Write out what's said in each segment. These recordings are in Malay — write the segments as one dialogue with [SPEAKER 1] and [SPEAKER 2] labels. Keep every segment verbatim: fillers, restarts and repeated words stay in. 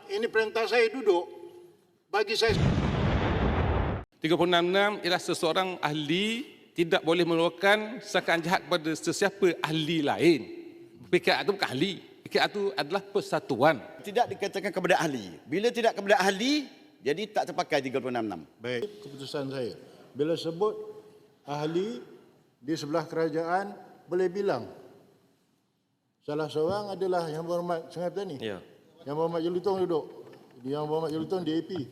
[SPEAKER 1] ini perintah saya duduk. Bagi saya...
[SPEAKER 2] tiga puluh enam enam ialah seseorang ahli tidak boleh melakukan sangkaan jahat kepada sesiapa ahli lain. P K R itu bukan ahli. P K R itu adalah persatuan.
[SPEAKER 3] Tidak dikatakan kepada ahli. Bila tidak kepada ahli, jadi tak terpakai tiga puluh enam enam.
[SPEAKER 1] Baik, keputusan saya. Bila sebut ahli di sebelah kerajaan, boleh bilang. Salah seorang adalah Yang Berhormat Sungai Petani.
[SPEAKER 4] Ya.
[SPEAKER 1] Yang Berhormat Jelutong duduk. Yang Berhormat Jelutong D A P.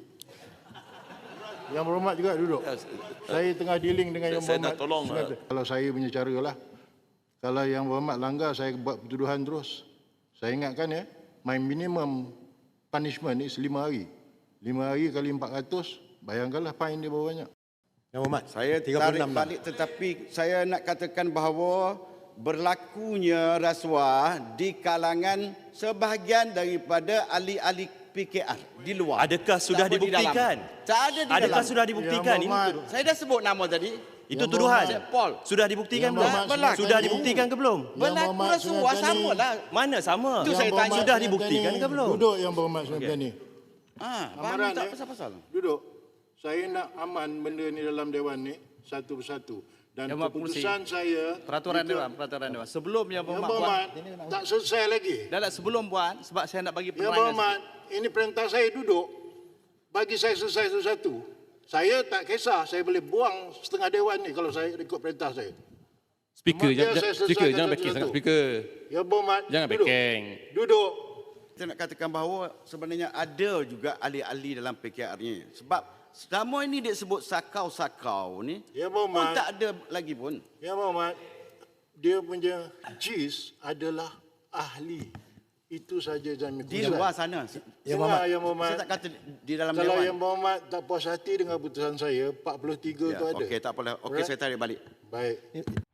[SPEAKER 1] Yang Berhormat juga duduk. Saya tengah dealing dengan Yang
[SPEAKER 4] Saya
[SPEAKER 1] Berhormat
[SPEAKER 4] nak tolong,
[SPEAKER 1] Sungai Petani. Kalau saya punya cara lah. Kalau Yang Berhormat langgar, saya buat pertuduhan terus. Saya ingatkan ya, my minimum punishment is lima hari. Lima hari kali empat ratus, bayangkanlah fine dia berapa banyak.
[SPEAKER 5] Yang Berhormat,
[SPEAKER 3] Saya
[SPEAKER 5] tiga puluh
[SPEAKER 3] tarik
[SPEAKER 5] enam
[SPEAKER 3] balik tetapi saya nak katakan bahawa berlakunya rasuah di kalangan sebahagian daripada ahli-ahli P K R di luar.
[SPEAKER 4] Adakah sudah
[SPEAKER 3] Tak apa di dalam.
[SPEAKER 4] dibuktikan?
[SPEAKER 3] Tak ada di
[SPEAKER 4] Adakah
[SPEAKER 3] dalam.
[SPEAKER 4] sudah dibuktikan?
[SPEAKER 1] Yang
[SPEAKER 4] Ini
[SPEAKER 1] Berhormat,
[SPEAKER 4] tuduh-
[SPEAKER 3] Saya dah sebut nama tadi.
[SPEAKER 4] itu
[SPEAKER 1] Yang
[SPEAKER 4] tuduhan.
[SPEAKER 1] Berhormat-
[SPEAKER 3] Paul.
[SPEAKER 4] Sudah dibuktikan
[SPEAKER 1] Yang
[SPEAKER 4] belum?
[SPEAKER 1] Berhormat
[SPEAKER 3] Berlaku.
[SPEAKER 4] Sudah
[SPEAKER 1] Sungai
[SPEAKER 4] dibuktikan ke belum?
[SPEAKER 1] Yang
[SPEAKER 3] Berlaku
[SPEAKER 1] Berhormat
[SPEAKER 3] rasuah
[SPEAKER 1] Sungai Petani.
[SPEAKER 3] sama lah.
[SPEAKER 4] Mana sama?
[SPEAKER 3] Itu saya
[SPEAKER 1] Yang
[SPEAKER 3] tanya.
[SPEAKER 1] Berhormat
[SPEAKER 4] Sudah
[SPEAKER 1] Sungai
[SPEAKER 4] dibuktikan
[SPEAKER 1] Petani,
[SPEAKER 4] ke belum?
[SPEAKER 1] Duduk Yang Berhormat Sungai Petani.
[SPEAKER 3] Ah,
[SPEAKER 1] Amaran,
[SPEAKER 3] tak
[SPEAKER 1] ya.
[SPEAKER 3] pasal-pasal.
[SPEAKER 1] Duduk. Saya nak aman benda ni dalam Dewan ni satu persatu. Dan
[SPEAKER 6] Yang Berhormat
[SPEAKER 1] keputusan saya...
[SPEAKER 6] Peraturan
[SPEAKER 1] itu-
[SPEAKER 6] Dewan, peraturan Dewan. Sebelum Yang
[SPEAKER 1] Yang
[SPEAKER 6] Berhormat buat,
[SPEAKER 1] Berhormat tak selesai lagi.
[SPEAKER 6] dah tak sebelum buat sebab saya nak bagi
[SPEAKER 1] Yang
[SPEAKER 6] penerangan.
[SPEAKER 1] Berhormat, ini perintah saya duduk. Bagi saya selesai satu-satu. Saya tak kisah, saya boleh buang setengah Dewan ni kalau saya ikut perintah saya.
[SPEAKER 2] Speaker,
[SPEAKER 1] Biar
[SPEAKER 2] jangan,
[SPEAKER 1] saya
[SPEAKER 2] speaker,
[SPEAKER 1] selesaikan
[SPEAKER 2] jangan backing
[SPEAKER 1] satu-satu.
[SPEAKER 2] sangat speaker.
[SPEAKER 1] Yang Berhormat,
[SPEAKER 2] Jangan
[SPEAKER 1] duduk.
[SPEAKER 2] backing.
[SPEAKER 1] Duduk.
[SPEAKER 3] Saya nak katakan bahawa sebenarnya ada juga ahli-ahli dalam P K R ni. Sebab selama ini dia sebut sakau-sakau ni,
[SPEAKER 1] Yang
[SPEAKER 3] pun
[SPEAKER 1] Berhormat,
[SPEAKER 3] tak ada lagi pun.
[SPEAKER 1] Yang Berhormat, dia punya jis adalah ahli. Itu saja jangan
[SPEAKER 3] Di luar sana.
[SPEAKER 5] Yang
[SPEAKER 1] Berhormat, Yang Berhormat.
[SPEAKER 3] Saya tak kata di dalam
[SPEAKER 1] Kalau
[SPEAKER 3] Dewan.
[SPEAKER 1] Yang Berhormat tak puas hati dengan putusan saya, empat puluh tiga
[SPEAKER 3] Ya,
[SPEAKER 1] tu ada.
[SPEAKER 3] okey, tak apalah. Okey,
[SPEAKER 1] Alright?
[SPEAKER 3] saya tarik balik.
[SPEAKER 1] Baik.